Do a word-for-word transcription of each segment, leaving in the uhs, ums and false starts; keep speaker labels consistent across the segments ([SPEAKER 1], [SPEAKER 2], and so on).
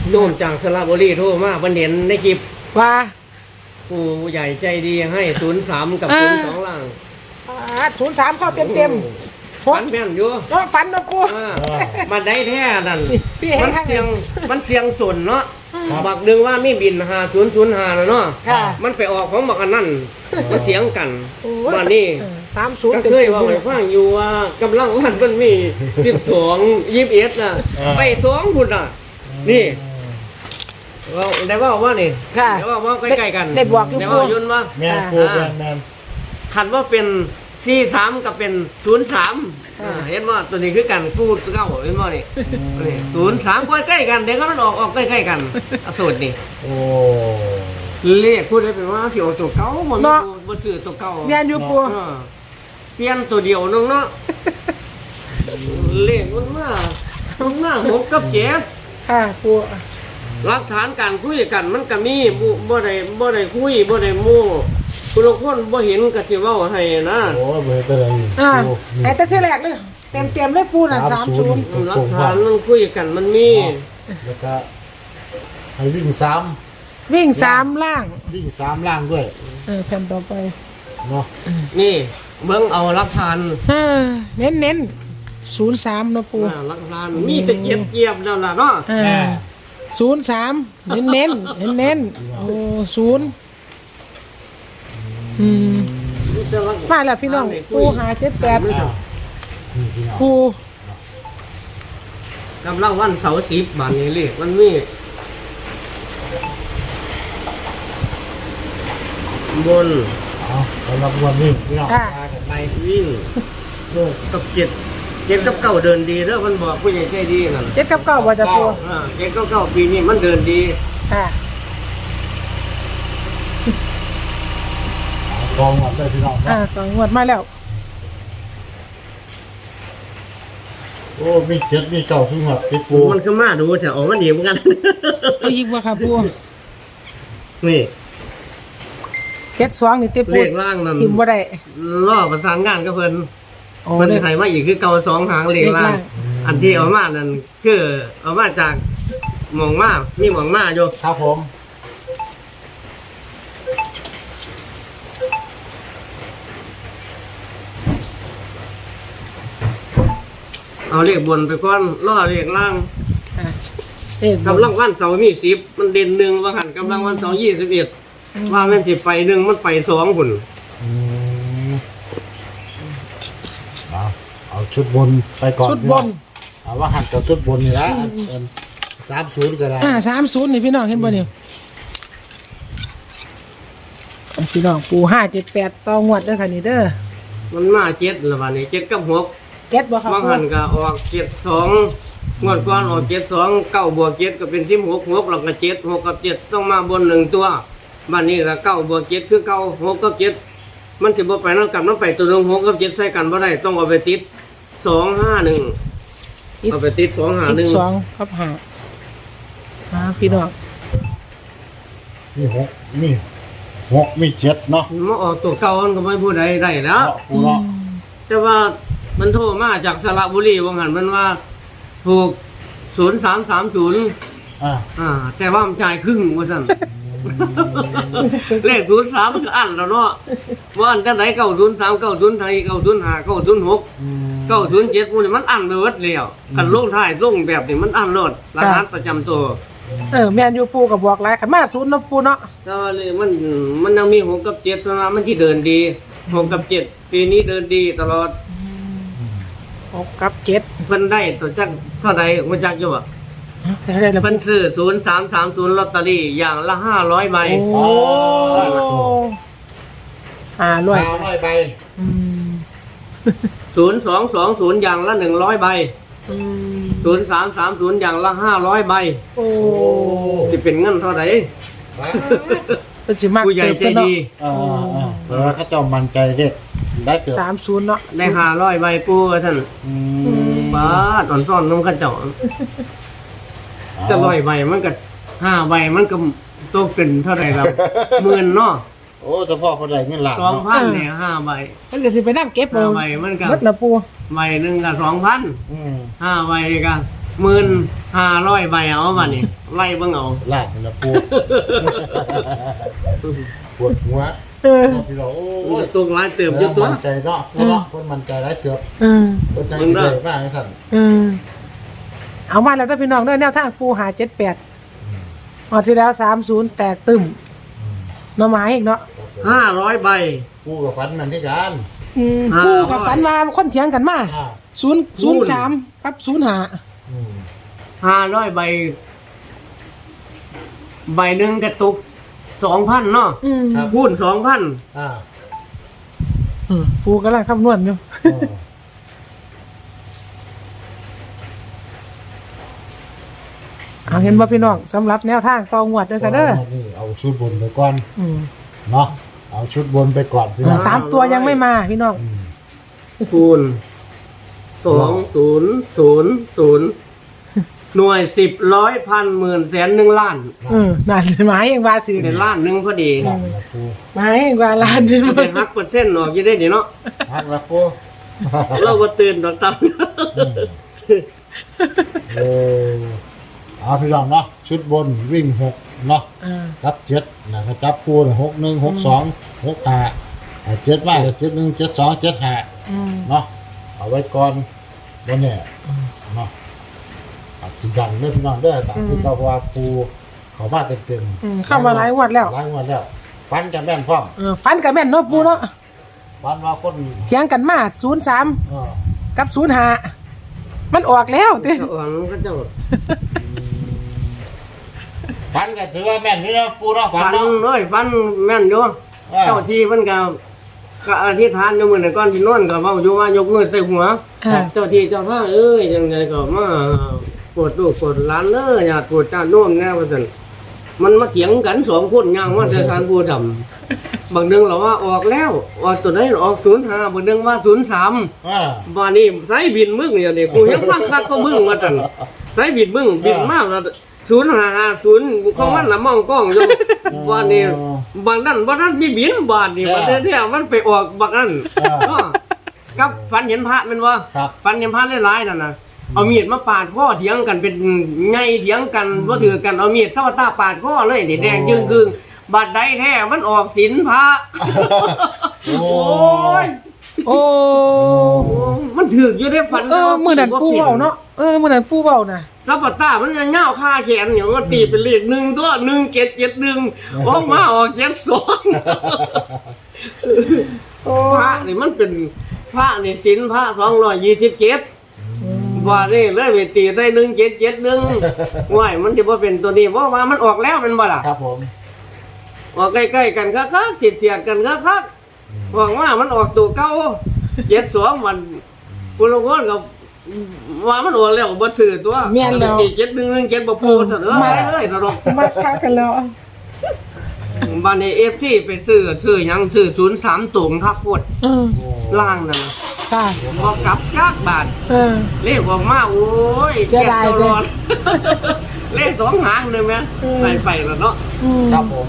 [SPEAKER 1] โยมจากสระบุรีโทรมาเพิ่นเห็นในคลิป
[SPEAKER 2] ว่า
[SPEAKER 1] ผู้ใหญ่ใจดีให้ศูนย์สามกับศูนย์สองล่าง
[SPEAKER 2] ศูนย์สามเข้าเต็มเต็ม
[SPEAKER 1] ฝันแม่นอยู่
[SPEAKER 2] ก็ฝันนะปู
[SPEAKER 1] อ่ามันได้แท้นั่น
[SPEAKER 2] พี่เห็น
[SPEAKER 1] มัน
[SPEAKER 2] ข้าง
[SPEAKER 1] เสียงมันเสียงสนเนาะ
[SPEAKER 3] ครับ
[SPEAKER 1] บักหนึงว่ามีบินหาศูนย์ศูนย์หานะเนาะ
[SPEAKER 2] ค่ะ
[SPEAKER 1] มันไปออกของบักอันนั้นมาเถียงกัน
[SPEAKER 2] โอ้
[SPEAKER 1] ว่านี่
[SPEAKER 2] สามศูนย์
[SPEAKER 1] ก็
[SPEAKER 2] เต็ม
[SPEAKER 1] เคย
[SPEAKER 2] เต็ม
[SPEAKER 1] ว่าไว้ฟังอยู่ว่ากำลังวันมันมีสิบสองยี่สิบเอ็ดน่ะ
[SPEAKER 3] อ่า
[SPEAKER 1] ไปสองพุ่นน่ะ นี่ว่าได้ว่าว่านี่
[SPEAKER 2] ค่ะ
[SPEAKER 1] ได้ว่าว่าใกล้ๆกัน
[SPEAKER 2] ได้บอกอยู่
[SPEAKER 1] ได้ว่ายุ่นว่า
[SPEAKER 3] แม่นปูแม่นแม่น
[SPEAKER 1] ขันว่าเป็นสี่สามกับเป็นศูนย์สามเห็นว่าตัวนี้คือกันพูดเก้าเห็นว่านี่ศูนย์สามใกล้ๆกันเดี๋ยวก็มันออกออกใกล้ๆกันอสูตรนี่
[SPEAKER 3] โอ้
[SPEAKER 1] เลขพูดได้เป็นว่าที่ออกตัวเก่ามันบ่ซื้อตัวเก่า
[SPEAKER 2] เมียนอยู่ปู
[SPEAKER 1] เออเปลี่ยนตัวเดียวนึงเนาะเลขมันมามันมาหกกับเจ็ด
[SPEAKER 2] ค่ะปู
[SPEAKER 1] หลักฐานการคุยกันมันก็มีบ่บ่ได้บ่ได้คุยบ่ได้โม้ผู้ลางคนบ่เห็นก็สิเว้าให้นะ
[SPEAKER 3] โหเบอร์อะไร
[SPEAKER 2] อ่า
[SPEAKER 3] ปู
[SPEAKER 2] แต่แต่ที่แรกเลยเต็มเต็มเลยปูน่ะสามศูนย์
[SPEAKER 1] หลักฐานมันคุยกันมันมี
[SPEAKER 3] แล้วก็ให้วิ่งสาม
[SPEAKER 2] วิ่งสามล่าง
[SPEAKER 3] วิ่งสามล่างด้วย
[SPEAKER 2] เออแผ่นต่อไป
[SPEAKER 3] เนาะ
[SPEAKER 1] นี่เบิ่งเอาหลักฐาน
[SPEAKER 2] เออเน้นเน้นศูนย์สามนะปู
[SPEAKER 1] อ่าหลักฐานมีแต่เกียบเกียบแล้วล่ะเนาะ
[SPEAKER 2] เออศูนย์สามเน้นเน้นเน้นเน้นโอ้ศูนย์อืม
[SPEAKER 1] มีแต่หลัก
[SPEAKER 2] มาแล้วพี่น้องปูหาเจ็ดแปด
[SPEAKER 3] อ้าวนี่พี่น้อง
[SPEAKER 2] ปู
[SPEAKER 1] กำลังวันเสาร์สิบบาทนี่เลขมันมีบน
[SPEAKER 3] เอาสำหรับวันนี้พี่น้อง
[SPEAKER 2] ค่ะ
[SPEAKER 3] มากันใน
[SPEAKER 1] วิ่ง
[SPEAKER 3] เรื่อง
[SPEAKER 1] กับเจ็ดเจ็ดกับเก้าเดินดีแล้วมันบอกผู้ใหญ่ใจดีนั่น
[SPEAKER 2] เจ็ดกับเก้าว่าจะปู
[SPEAKER 1] อ่าเจ็ดกับเก้าปีนี้มันเดินดี
[SPEAKER 2] ค่ะ
[SPEAKER 3] กองหมดเลยพี่น้อง
[SPEAKER 2] อ่า
[SPEAKER 3] เนาะ
[SPEAKER 2] ต่องวดมาแล้ว
[SPEAKER 3] โอ้มีเจ็ดมีเก่าสุดหัวติดปู
[SPEAKER 1] มันก็มาดูแต่ออกมันดีเหมือนกัน
[SPEAKER 2] เอาอีกว่าค่ะปู
[SPEAKER 1] นี่
[SPEAKER 2] เจ็ดสองนี่ติปู
[SPEAKER 1] เลขล่างนั่น
[SPEAKER 2] ทิมบ่ได้
[SPEAKER 1] ล่อประสานงานกับเพิ่น
[SPEAKER 2] โอ้
[SPEAKER 1] เพิ่น
[SPEAKER 2] เลย
[SPEAKER 1] ไทยมาอีกคือเก่าสองหางเลขล่าง
[SPEAKER 2] เลขล่าง
[SPEAKER 1] อันที่เอามานั่นคือเอามาจากหมองมามีหมองมาอยู่
[SPEAKER 3] ครับผม
[SPEAKER 1] เอาเลขบนไปก่อนล่อเลขล่าง
[SPEAKER 2] อ่ะเอ๊ะ
[SPEAKER 1] กำลังวันเสาร์มีสิบมันเด่นหนึ่งว่าหันกำลังวันเสาร์ยี่สิบเอ็ดว่าแม่นสิไปหนึ่งมันไปสองพุ่น
[SPEAKER 3] อืมเอาเอาชุดบนไปก่อน
[SPEAKER 2] ชุด
[SPEAKER 3] พี่
[SPEAKER 2] บ
[SPEAKER 3] น้อน งเอาว่าหันกับชุดบนนี่ละสามศูนย์ก็ได้
[SPEAKER 2] อ่าสามศูนย์นี่พี่น้องเห็นบ่เนี่ยพี่น้องปูห้าเจ็ดแปดต่องวดเด้อค่ะนี่เด้อ
[SPEAKER 1] มันมาเจ็ดละวันนี้เจ็ดกับหก
[SPEAKER 2] เจ็ดบ่ครับ
[SPEAKER 1] บาง
[SPEAKER 2] ปู
[SPEAKER 1] หันก็ออกเจ็ดสองงวดก่อนออกเจ็ดสองเก้าบวกเจ็ดก็เป็นที่หกหกแล้วก็เจ็ดหกกับเจ็ดต้องมาบนหนึ่งตัวบ้านนี้ก็เก้าบวกเจ็ดคือเก้าหกกับเจ็ดมันสิบ่ไปนั่งกับน้ำไปตัวหนึงหกกับเจ็ดใส่กันบ่ได้ต้องเอาไปติดสองห้าหนึ่งเอาไปติดสองห้าห
[SPEAKER 2] อี
[SPEAKER 1] นึ่
[SPEAKER 2] ก
[SPEAKER 1] ง
[SPEAKER 2] สองครับห้าอ่าพี่น้อง
[SPEAKER 3] มีหกมีหกมีเจ็ดเนาะ
[SPEAKER 1] มาออกตัวเก่ามันก็ไม่พูดใดได้แล้ว
[SPEAKER 3] เนาะปูเนาะ
[SPEAKER 1] แต่ว่ามันโทรมาจากสระบุรีว่างั้นมันว่าถูกศูนย์สามสามศูนย์
[SPEAKER 3] อ่า
[SPEAKER 1] อ่า แต่ว่ามันจ่ายครึ่งว่าสั่น เลขศูนย์สามมันก็อันแล้วเนาะว่าอันจะไหนเก้าศูนย์สามเก้าศูนย์ไทยเก้าศูนย์ห้าเก้าศูนย์หก
[SPEAKER 3] อืม
[SPEAKER 1] เก้าศูนย์เจ็ดพวกนี้มันอันไปหมดแล้วกันลงท้ายลงแบบนี้มันอันโลดรหัสประจำตัว
[SPEAKER 2] เออแม่นอยู่ปูกับบอกหลายขันมาศูนย์เนาะปูเนาะ
[SPEAKER 1] แต่ว่าเลยมันมันยังมีหกกับเจ็ดเท่านั้นมันที่เดินดีหกกับเจ็ดปีนี้เดินดีตลอด
[SPEAKER 2] หกกับเจ็ด
[SPEAKER 1] เพิ่นได้ตัวจักเท่าใดมาจักอยู่บ่
[SPEAKER 2] ได้ได้แล้ว
[SPEAKER 1] เพิ่นซื้อศูนย์สามสามศูนย์ลอตเตอรี่อย่างละห้าร้อยใบ
[SPEAKER 2] โอ้อ่าร้อย
[SPEAKER 3] ห้าร้อยใบ
[SPEAKER 2] อืม
[SPEAKER 1] ศูนย์สองสองศูนย์อย่างละหนึ่งร้อยใบ
[SPEAKER 2] อืม
[SPEAKER 1] ศูนย์สามสามศูนย์อย่างละห้าร้อยใบ
[SPEAKER 2] โอ้
[SPEAKER 1] จะเป็นเงินเท่าไหร่
[SPEAKER 2] เป็นสิมาก
[SPEAKER 1] ผู้ใหญ่ใจดี
[SPEAKER 3] อ่าอ่าเพราะว่าเขาเจ้ามันใจเด็กได้เกือบ
[SPEAKER 2] สามศูนย์เนาะ
[SPEAKER 1] ได้ห้าร้อยใบปูว่าท่าน
[SPEAKER 3] อืม
[SPEAKER 1] บ้าตอนซ่อนน้ำกระเจาะจะร้อยใบมันก็ห้าใบมันก็ตกเป็นเท่าไหร่ครับหมื่นเนาะ
[SPEAKER 3] โอ้เฉพาะคนใดเงินหลัก
[SPEAKER 1] สองพันเนี่ยห้าใบ
[SPEAKER 2] มันก็สิไปนั่งเก็บ
[SPEAKER 1] ห้า
[SPEAKER 2] เอา
[SPEAKER 1] ใบมันก็
[SPEAKER 2] เบิดละปู
[SPEAKER 1] ใบหนึ่งก็สองพัน
[SPEAKER 3] อืม
[SPEAKER 1] ห้าใบก็หมื่นห้าร้อยใบเอาบัดนี้ไล่เบิ่งเอา
[SPEAKER 3] ลากนี่ละปูปวดหัว
[SPEAKER 2] เออ
[SPEAKER 3] พี่เราโอ้
[SPEAKER 1] โอ้
[SPEAKER 3] ย
[SPEAKER 1] ยตัวหลายเติมเยอะตัว
[SPEAKER 3] มันใจเนาะเนาะคนมันใจร้ายเกือบ
[SPEAKER 2] เออ
[SPEAKER 3] คนใจดีเลยมากสั่น
[SPEAKER 2] เออเอามาแล้วเด้อพี่น้องเด้อแนวทางปูหาเจ็ดแปดออกที่แล้วสามศูนย์แตกตึมหน่อไม้อีกเนาะ
[SPEAKER 1] ห้าร้อยใบ
[SPEAKER 3] ปูกับฟันมันที่กัน
[SPEAKER 2] อืม
[SPEAKER 1] อ่า
[SPEAKER 2] ปูกับฝันว่าคนเถียงกันมา
[SPEAKER 3] อ่า
[SPEAKER 2] ศูนย์ศูนย์สามกับศูนย์ห้า
[SPEAKER 3] อืม
[SPEAKER 1] ห้าร้อยใบ ใบหนึ่งกระตุกสองพันเนาะ
[SPEAKER 2] อืม
[SPEAKER 1] พูนสองพัน
[SPEAKER 3] อ่า
[SPEAKER 2] อืมปูกำลังคำนวณอยู่
[SPEAKER 3] เออ
[SPEAKER 2] เอาเห็นว่าพี่น้องสำหรับแนวทางต่องวดเด้อค่ะเด้อ
[SPEAKER 3] นี่เอาชุดบนไปก่อน
[SPEAKER 2] อืม
[SPEAKER 3] เนาะเอาชุดบนไปก่อนพี่น้อง
[SPEAKER 2] สามตัวยังไม่มาพี่น้อง
[SPEAKER 3] อืม
[SPEAKER 1] คูณสองศูนย์ศูนย์ศูนย์หน่วยสิบร้อยพันหมื่นแสนหนึ่งล้าน
[SPEAKER 2] เออนั่นหมายเองว่าถือ
[SPEAKER 1] ในล้านหนึ่งพอดี
[SPEAKER 3] หลังละปู
[SPEAKER 2] หมายเองว่าล้านหนึง
[SPEAKER 1] มันจะหักเปอร์เซ็นต์ออกอยี่ได้ดีเนาะ
[SPEAKER 3] หักละปู
[SPEAKER 1] เราก็ตื่นตอนตั้ง
[SPEAKER 3] เออเอาพี่น้องเนาะชุดบนวิ่งหกเนาะ
[SPEAKER 2] อ่า
[SPEAKER 3] จับเจ็ดนะครับจับปูหกหนึ่งหกสองหกห้าเจ็ดมากเจ็ดหนึ่งเจ็ดสองเจ็ดห้า
[SPEAKER 2] อืม
[SPEAKER 3] เนาะเอาไว้ก่อนวันนี้เนาะตัดสินดังเรื่องพี่น้องเด้อตามที่เจ้าว่าปูเขามาเต็มเต็มๆ
[SPEAKER 2] อืมเข้ามาหลายงวดแล้ว
[SPEAKER 3] หลายงวดแล้วฟันกันแม่นพร้อม
[SPEAKER 2] เออฟันกับแม่นเนาะปูเนาะ
[SPEAKER 3] ฟันว่าคน
[SPEAKER 2] เถียงกันมาศูนย์สาม
[SPEAKER 3] เออ
[SPEAKER 2] กับศูนย์ห้ามันออกแล้วติ
[SPEAKER 1] เจ้าของก็เจ้า
[SPEAKER 3] ฟันก็ถือว่าแม่นนี่เนาะปูเนาะฟั
[SPEAKER 1] ฟั
[SPEAKER 3] น
[SPEAKER 1] น
[SPEAKER 3] เนาะ
[SPEAKER 1] น้อยฟันแม่นอยู่
[SPEAKER 3] เออ
[SPEAKER 1] เจ้าที่มันก็ก็อธิษฐานอยู่มื้อนั้นก่อนสินอนก็เว้าอยู่ว่ายกมือใส่หัว
[SPEAKER 2] อ่า
[SPEAKER 1] เจ้าที่เจ้าท่าเอ้ยจังไดก็มาปวดลูกปวดหลานเด้ออย่าปวดจ้าโน้มแน่ว่าซั่นมันมาเถียงกันสองคนย่างว่าแต่ทานผู้ดำบางนึงเราว่าออกแล้วออกตัวไหนออกศูนย์ห้าบางนึงว่าศูนย์สาม
[SPEAKER 3] เออ
[SPEAKER 1] บ้านนี้ไสบินมึงเนี่ยนี่กูยังฟังคักก็มึงว่าซั่นไสบินมึงบินมาแล้วศูนย์ห้าห้าศูนย์ของมันน่ะมองกล้องอยู่บ้านนี้บางนั้นบ่ทันมีบินบ้านนี่ว่าแท้ๆมันไปออกบักนั้นเนาะกับฝันเห็นพระแม่นบ่
[SPEAKER 3] ครับ
[SPEAKER 1] ฟันยังพันหลายๆนั่นนะเอามีดมาปาดข้อเถียงกันเป็นไงเถียงกันว่าถือกันเอามีดเท่าตาปาดข้อเลยนี่แดงยึงกึงบาดใดแท้มันออกศีลพระ
[SPEAKER 3] โอ้
[SPEAKER 1] โอ้ย
[SPEAKER 2] โอ้
[SPEAKER 1] โอ้มันถือกอยู่ได้ฝัน
[SPEAKER 2] เออมื้อนั้นปูเว้าเนาะเออมื้อนั้นปูเว้าน่ะ
[SPEAKER 1] ซับปะตามันจะเง่าคาแขนอย่างว่าตีเป็นเลขหนึ่งตัวหนึ่งเจ็ดเจ็ดหนึ่งออกมาออกเจ็ดสอง
[SPEAKER 2] โอ้
[SPEAKER 1] พระนี่มันเป็นพระนี่ศีลพระสองร้อยยี่สิบเจ็ด ว่านี่เลยไปตีได้หนึ่งเจ็ดเจ็ดหนึ่งว่ายมันจะว่าเป็นตัวนี้เพราะว่ามันออกแล้วเป็นบ่ล่ะ
[SPEAKER 3] ครับผม
[SPEAKER 1] ออกใกล้ๆกันคักๆเสียดเสียดๆกันคักๆหวังว่ามันออกตัวเก้าเจ็ดสองวันปุโรโกนกับว่ามันออกแล้วบ่ถือตัว
[SPEAKER 2] แม่นแล้ว
[SPEAKER 1] เจ็ดหนึ่งหนึ่งเจ็ดบ่พูดเถอะเด้อ
[SPEAKER 2] มา
[SPEAKER 1] ไปเลยตลก
[SPEAKER 2] มาค้ากันแล้ว
[SPEAKER 1] บ้านในเอฟที่ไปซื้อซื้อหยังซื้อศูนย์สามตุ่มครับพวด
[SPEAKER 2] เออ
[SPEAKER 3] โอ้
[SPEAKER 1] ล่างนั่นน่ะ
[SPEAKER 2] ค่ะ
[SPEAKER 1] บ่กลับยากบาท
[SPEAKER 2] เออ
[SPEAKER 1] เลขออกมาโอ้ย
[SPEAKER 2] เสียดาย
[SPEAKER 1] จ็ตลอด เลขสองหางเลยไหม
[SPEAKER 2] อืม
[SPEAKER 1] ไปไปแล้วเนาะ
[SPEAKER 2] อืม
[SPEAKER 3] ครับผม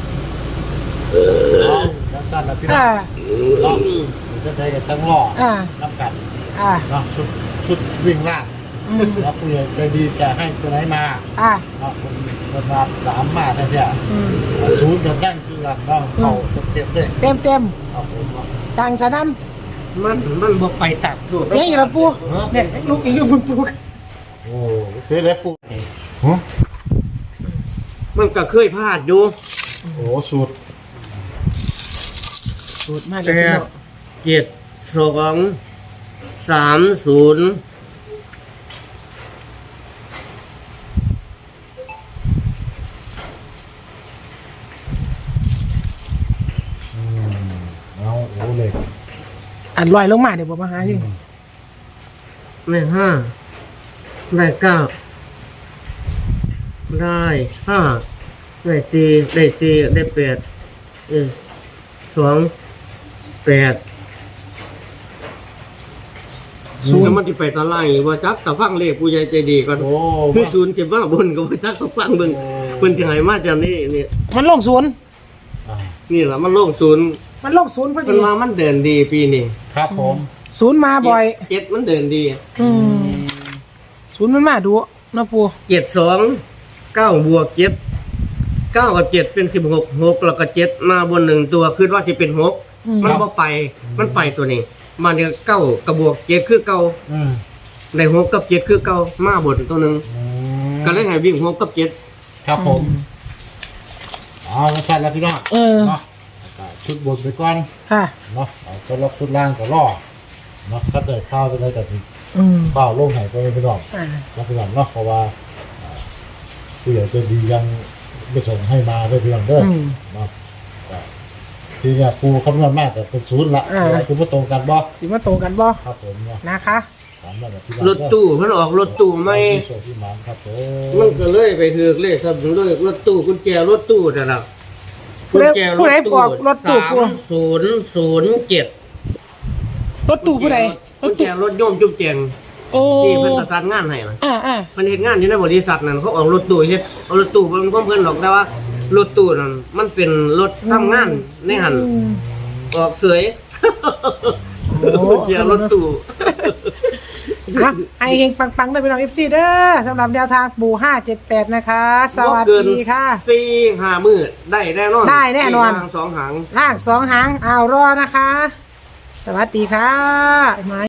[SPEAKER 3] เอาจังสั้นแล้วพี่น้อ
[SPEAKER 2] อ่าง
[SPEAKER 3] เนาะจะได้กันทั้งล่อ
[SPEAKER 2] อ่า
[SPEAKER 3] น้ำกัน
[SPEAKER 2] อ่า
[SPEAKER 3] เนาะชุดชุดวิ่งล่าง
[SPEAKER 2] อืม
[SPEAKER 3] แล้วผู้ใหญ่ใจดีจะให้ตัวไหนมา
[SPEAKER 2] อ่า
[SPEAKER 3] เนาะคนคนมาสามมาแท้
[SPEAKER 2] อืม
[SPEAKER 3] ๆศูนย์กับดั้งคือกันเนาะเขาเต็มๆเลย
[SPEAKER 2] เต็มเต็ม
[SPEAKER 3] ครับผมเนาะ
[SPEAKER 2] ๆดังสนั่น
[SPEAKER 1] มันมันบอกไปตักสูตร
[SPEAKER 2] เนี่ยอีกแล้วปูเนี่ยลูกอีกอยู่บนปู
[SPEAKER 3] โอ้เป็นไรปุ๊ฮะ
[SPEAKER 1] มันก็เคยพลาดอยู่
[SPEAKER 3] โอ้สูตร
[SPEAKER 2] สูตรมากเล
[SPEAKER 1] แป
[SPEAKER 2] ยพี่
[SPEAKER 1] ด
[SPEAKER 2] น้อง
[SPEAKER 1] เจ็ดสองสามศูนย์
[SPEAKER 3] อืมเอาโอ้เหล็ก
[SPEAKER 2] อันลอยลงมาเดี๋ยวผมมาหาอยู่
[SPEAKER 1] ได้ห้าได้เก้าได้ห้าได้สี่ได้สี่ได้แปดได้สองแปด
[SPEAKER 2] ศูน
[SPEAKER 1] แล้ว
[SPEAKER 2] ย์
[SPEAKER 1] มันจะไปตะไลว่าจักตะฟังเลขผู้ใหญ่ใจดีก่อน
[SPEAKER 3] โอ้
[SPEAKER 1] คือศูนย์เจ็บว่าบนก็บ่จักตะฟังเบิ่งเพิ่นสิให้มาจากนี้นี่
[SPEAKER 2] มันลงศูนย์
[SPEAKER 3] อ่า
[SPEAKER 1] นี่ล่ะมันโลงศูนย์
[SPEAKER 2] มันลงศูนย์พอ
[SPEAKER 1] เพิ่
[SPEAKER 2] ดี
[SPEAKER 1] นว่ามันเดินดีปีนี้
[SPEAKER 3] ครับผม
[SPEAKER 2] ศูนย์มาบ่อย
[SPEAKER 1] เจ็ดมันเดินดี
[SPEAKER 2] อืมศูนย์มันมาดูเนาะปู
[SPEAKER 1] เจ็ดสองเก้าบวกเจ็ดเก้ากับเจ็ดเป็นสิบหกหกแล้วก็เจ็ดมาบนหนึ่งตัวคือว่าจะเป็นหกมันบ่ไปมันไปตัวนี้มาเนี่ยเก้ากับบวกเจ็ดคือเก้า
[SPEAKER 3] อืม
[SPEAKER 1] ในหกกับเจ็ดคือเก้ามาบนตัวหนึ่ง
[SPEAKER 3] อืม
[SPEAKER 1] ก็เลยให้วิ่งหกกับเจ็ด
[SPEAKER 3] ครับผมเอาละสั้นแล้วพี่น้อง
[SPEAKER 2] เออ
[SPEAKER 3] เนาะชุดบนไปก่อน
[SPEAKER 2] ค่ะ
[SPEAKER 3] เนาะเอาจะล็อกชุดล่างก็รอเนาะถ้าเกิดข้าวจะได้แต่ถึง
[SPEAKER 2] อืม
[SPEAKER 3] ข้าวลงไหนไปพี่น้อง
[SPEAKER 2] อ่า
[SPEAKER 3] แล้วพี่น้องเนาะเพราะว่าอ่าผู้ใหญ่ใจะดียังไม่ส่งให้มาด้วยพี่น้องเด้อ
[SPEAKER 2] อืม
[SPEAKER 3] เนาะก็ทีเนี่ยปูคำนวณมากแต่เป็นศูนย์ละ
[SPEAKER 2] อ่า
[SPEAKER 3] อะไรคือไม่ตรงกันบ่
[SPEAKER 2] สิมาตรงกันบ่
[SPEAKER 3] ครับผมเนาะ
[SPEAKER 2] นะคะ
[SPEAKER 3] ถามมาแบบพี่น้อง
[SPEAKER 1] รถตู้เพิ่นออกรถตู้ไม่
[SPEAKER 3] โชคพี่หมานครับผม
[SPEAKER 1] มันก็เลยไปถือกเลขครับด้วยรถตู้กุญแจรถตู้นั่นล่ะ
[SPEAKER 2] ผู้ใดผู้ใดบอกรถตู้ปู
[SPEAKER 1] สามศูนย์ศูนย์เจ็ด
[SPEAKER 2] รถตู้ผู้ใดร
[SPEAKER 1] กุ
[SPEAKER 2] ถ
[SPEAKER 1] ญแจ
[SPEAKER 2] ตู้
[SPEAKER 1] รถโยมจุ๊บแจง
[SPEAKER 2] โอ้
[SPEAKER 1] ที่เพิ่นประสานงานให้น่ะ
[SPEAKER 2] อ่าอ่า
[SPEAKER 1] มันเฮ็ดงานอยู่ในบริษัทนั่นเขาเอารถตู้เฮ็ดเอารถตู้มันก็เพิ่นหรอกแต่ว่ารถตู้นั่นมันเป็นรถทำงานในหัน
[SPEAKER 2] อืม
[SPEAKER 1] ออกเสย
[SPEAKER 2] โอ้
[SPEAKER 1] กุญแจรถตู้
[SPEAKER 2] อ่ะไอเฮงปังๆได้เป็นน้องเอฟซีเด้อสำหรับแนวทางปูห้าเจ็ดแปดนะคะ สวัส
[SPEAKER 1] บ่เกิน
[SPEAKER 2] ดีค่ะ
[SPEAKER 1] สี่ห้ามื้อได้แน่นอน
[SPEAKER 2] ได้แน่นอน
[SPEAKER 1] สี่ทางสองหาง
[SPEAKER 2] ล่างสองหางเอารอนะคะ สวัสดีค่ะไม้